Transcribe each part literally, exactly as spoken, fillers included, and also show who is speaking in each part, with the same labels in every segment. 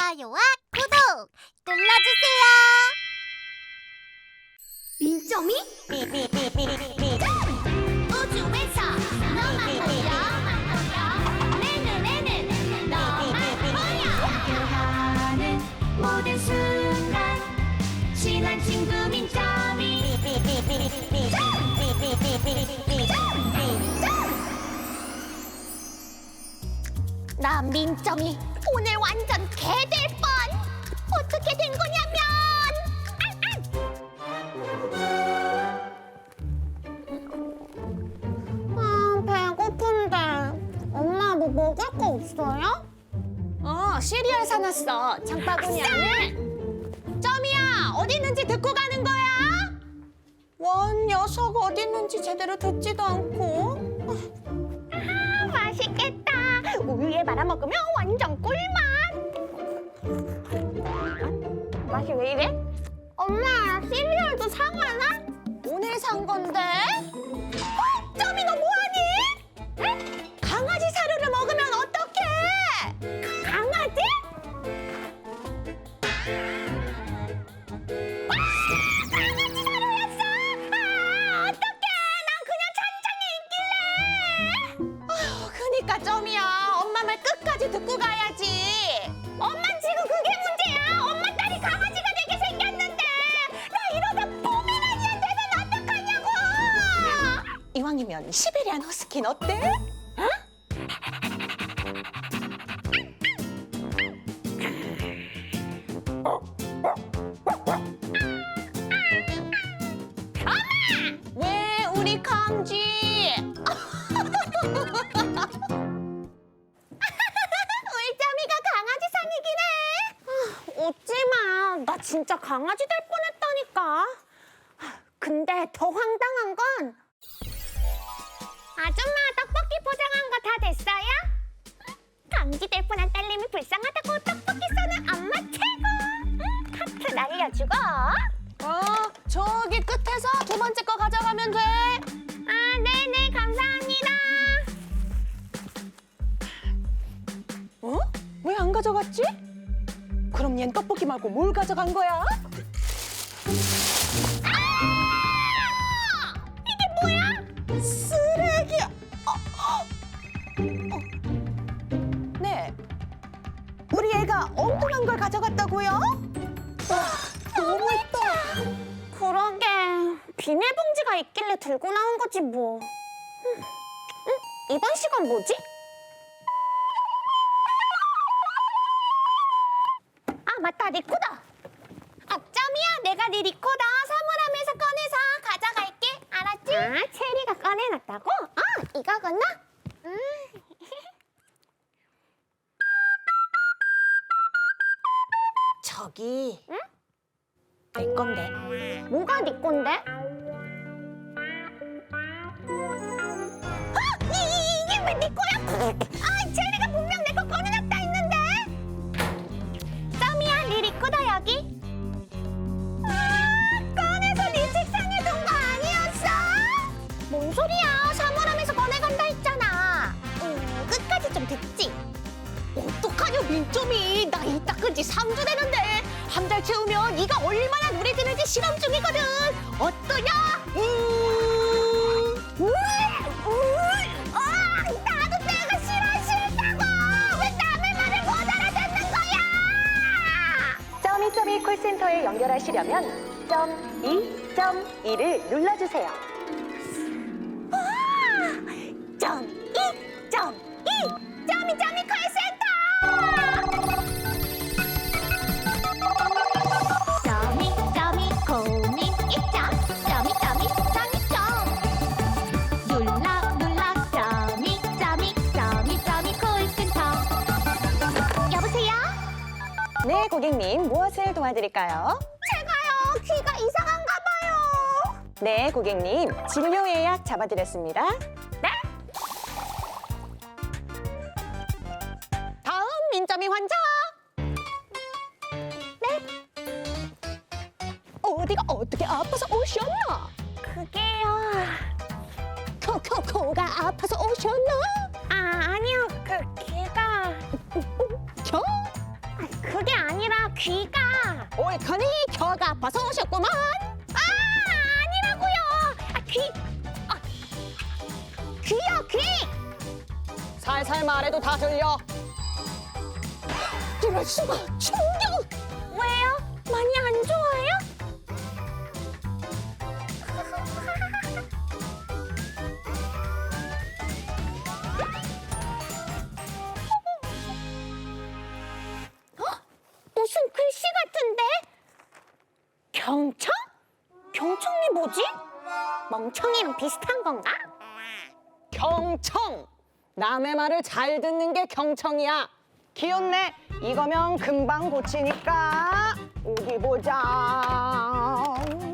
Speaker 1: 좋아요와 구독 눌러주세요. 민점이 우주에서 너만 보여 내 눈에는 너만 보여. 함께하는 모든 순간 친한 친구 민점이 나 민점이 오늘 완전 개될 뻔. 어떻게 된 거냐면 아, 배고픈데 엄마 뭐 먹을 거 없어요?
Speaker 2: 어, 시리얼 사놨어. 장바구니 안에. 점이야, 어디 있는지 듣고 가는 거야? 원 녀석 어디 있는지 제대로 듣지도 않고.
Speaker 1: 아, 맛있겠다. 우유에 말아 먹으면 완전 꿀맛. 맛이 왜 이래? 엄마, 시리얼도 사과나?
Speaker 2: 오늘 산 건데. 어, 점이 너 뭐하니?
Speaker 1: 응?
Speaker 2: 강아지 사료를 먹으면 어떡해?
Speaker 1: 강아지? 아, 강아지 사료였어! 아, 어떡해! 난 그냥 천장에 있길래!
Speaker 2: 아휴, 그니까 점이야. 엄마 말 끝까지 듣고 가야지.
Speaker 1: 엄만 지금 그게 문제야! 엄마 딸이 강아지가 되게 생겼는데! 나 이러다 포메라니안 되면 어떡하냐고!
Speaker 2: 이왕이면 시베리안 허스키는 어때? 왜 우리 강지?
Speaker 1: 울점이가 강아지 상이긴 해! 아, 웃지 마. 나 진짜 강아지 될 뻔했다니까. 아, 근데 더 황당한 건 아줌마, 떡볶이 포장한 거 다 됐어요? 강지 될 뻔한 딸내미 불쌍하다고 떡볶이 싸는 엄마 최고! 하트 날려주고.
Speaker 2: 어, 저기 끝에서 두 번째 거 가져가면 돼.
Speaker 1: 아, 네네, 감사합니다.
Speaker 2: 어? 왜 안 가져갔지? 그럼 얜 떡볶이 말고 뭘 가져간 거야?
Speaker 1: 이게 뭐야?
Speaker 2: 쓰레기야. 어, 어. 어. 네. 우리 애가 엉뚱한 걸 가져갔다고요? 와, 너무했다.
Speaker 1: 그러게, 비닐봉지가 있길래 들고 나온 거지 뭐. 응, 응? 이번 시간 뭐지? 아, 맞다, 리코더. 아, 점이야, 내가 네 리코더 사물함에서 꺼내서 가져갈게. 알았지? 아, 체리가 꺼내놨다고? 아, 이거구나? 음.
Speaker 2: 저기
Speaker 1: 응?
Speaker 2: 내 건데.
Speaker 1: 뭐가 네 건데? 아! 이, 이, 이게 왜 네 거야? 아, 체리가 분명 내 거 꺼내놨다 했는데. 점이야, 네 리코더 여기. 아, 꺼내서 네 책상에 둔 거 아니었어? 뭔 소리야? 사물함에서 꺼내간다 했잖아. 음, 끝까지 좀 듣지.
Speaker 2: 어떡하냐 민점이. 나 이 닦은 지 삼 주 되는데 한 달 채우면 이가 얼마나 눈에 드는지 실험 중이거든. 어떠냐? 음.
Speaker 1: 울! 울! 아, 나도 내가 싫어 싫다고! 왜 남의 말을 못 알아듣는 거야!
Speaker 3: 점이점이 콜센터에 연결하시려면 점 이 점 이를 눌러주세요.
Speaker 1: 와! 점 이 점 이 점이 점이 콜센터! 점이 점이 고민 있죠? 점이 점이 점이점 눌러 눌러 점이 점이 점이 점이 콜센터. 여보세요?
Speaker 3: 네, 고객님 무엇을 도와드릴까요?
Speaker 1: 제가요, 귀가 이상한가 봐요.
Speaker 3: 네, 고객님 진료 예약 잡아드렸습니다.
Speaker 1: 네?
Speaker 2: 다음 민점이 환자.
Speaker 1: 네?
Speaker 2: 어디가 어떻게 아파서 오셨나?
Speaker 1: 그게요.
Speaker 2: 코, 코, 코가 아파서 오셨나?
Speaker 1: 아, 아니요. 그 귀가
Speaker 2: 저?
Speaker 1: 그게 귀가.
Speaker 2: 옳거니 혀가 아파서 오셨구먼.
Speaker 1: 아, 아니라고요. 아, 귀. 아, 귀요, 귀.
Speaker 2: 살살 말해도 다 들려. 이럴 수가. 충격.
Speaker 1: 왜요? 많이 안 좋아요? 어? 무슨 글씨 같은데? 경청? 경청이 뭐지? 멍청이랑 비슷한 건가?
Speaker 2: 경청. 남의 말을 잘 듣는 게 경청이야. 귀엽네. 이거면 금방 고치니까. 어디 보자.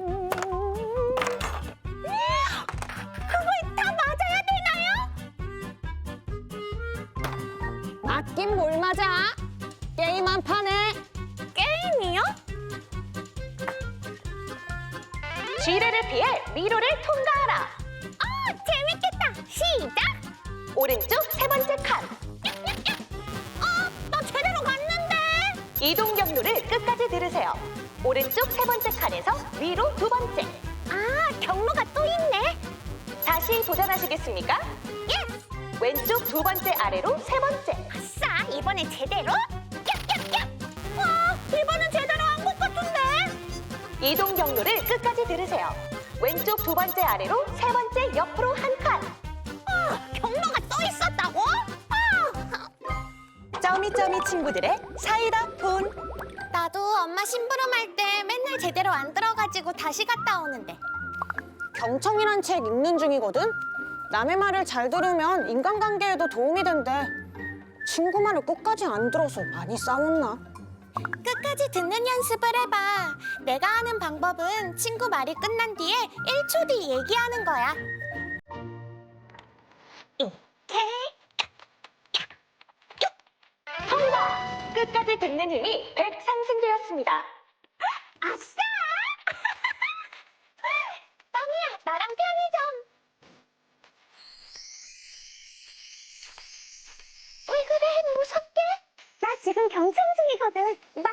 Speaker 1: 그걸 다 맞아야 되나요?
Speaker 2: 맞긴 뭘 맞아. 게임 한 판에.
Speaker 1: 게임이요?
Speaker 3: 지뢰를 피해 미로를 통과하라.
Speaker 1: 어, 재밌겠다. 시작!
Speaker 3: 오른쪽 세 번째 칸.
Speaker 1: 어, 나 제대로 갔는데.
Speaker 3: 이동 경로를 끝까지 들으세요. 오른쪽 세 번째 칸에서 위로 두 번째.
Speaker 1: 아, 경로가 또 있네.
Speaker 3: 다시 도전하시겠습니까?
Speaker 1: 예스!
Speaker 3: 왼쪽 두 번째 아래로 세 번째.
Speaker 1: 아싸, 이번에 제대로. 얍얍얍! 와, 이번엔 제대로 한 것 같은데.
Speaker 3: 이동 경로를 끝까지 들으세요. 왼쪽 두 번째 아래로 세 번째 옆으로 한 칸.
Speaker 1: 아, 경로가 또 있었다고? 아,
Speaker 3: 점이점이 친구들의 사이다 폰.
Speaker 1: 나도 엄마 심부름할 때 맨날 제대로 안 들어가지고 다시 갔다 오는데.
Speaker 2: 경청이란 책 읽는 중이거든. 남의 말을 잘 들으면 인간관계에도 도움이 된대. 친구 말을 끝까지 안 들어서 많이 싸웠나?
Speaker 1: 끝까지 듣는 연습을 해봐. 내가 하는 방법은 친구 말이 끝난 뒤에 일 초 뒤 얘기하는 거야.
Speaker 3: 통과! 끝까지 듣는 힘이 백 상승되었습니다.
Speaker 1: 아싸! 빵이야, 나랑 편의점. 왜 그래, 무섭게? 나 지금 경청 중이거든. 나